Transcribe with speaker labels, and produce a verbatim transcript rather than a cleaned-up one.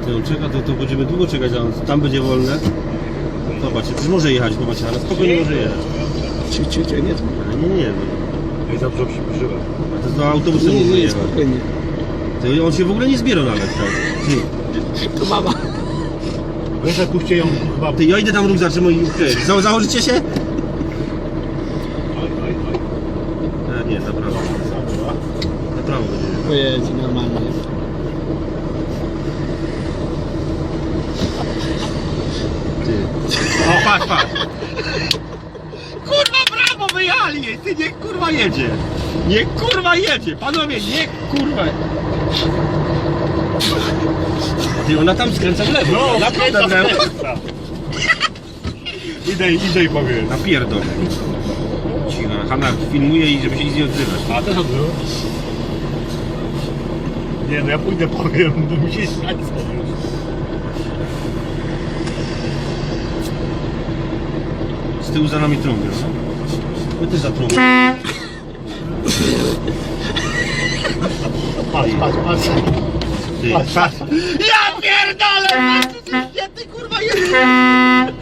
Speaker 1: Ty on czeka, to, to będziemy długo czekać, a tam będzie wolne. Zobaczcie, przecież może jechać, zobaczcie, ale spokojnie może jechać.
Speaker 2: Ciu, ciu, ciu, nie,
Speaker 1: Nie, nie, nie.
Speaker 3: No i dobrze przybliżyłem.
Speaker 1: A to do autobusu
Speaker 2: nie,
Speaker 1: może
Speaker 2: nie,
Speaker 1: jechać.
Speaker 2: spokojnie.
Speaker 1: Ty, on się w ogóle nie zbiera nawet, tak? Ty,
Speaker 2: To mama.
Speaker 3: Wiesz, puśćcie ją chyba...
Speaker 1: ty, ja idę tam róg zatrzymać i ty, za, założycie się?
Speaker 3: Oj, oj, oj.
Speaker 1: A, nie, na prawo. Na prawo będzie.
Speaker 2: Pojedź, normalnie.
Speaker 1: Ty. O, patrz, patrz. Kurwa, brawo, wyjali jej, ty, niech kurwa jedzie. Niech kurwa jedzie, panowie, niech kurwa. Ty, ona tam skręca w lewo.
Speaker 3: No,
Speaker 1: naprawdę w lewo.
Speaker 3: Idę, idę i powiem.
Speaker 1: Napierdol. Cicho, Hanna filmuje i żeby się nic nie odzywać.
Speaker 3: A też odbył? Nie, no ja pójdę powiem, bo mi się śmiać już.
Speaker 1: Z tyłu za nami trąbią, no? My też za trąbią.
Speaker 3: Patrz, patrz, patrz.
Speaker 1: Ty,
Speaker 3: Patrz, patrz.
Speaker 1: Ja pierdolę! Gdzie ty kurwa jedziesz?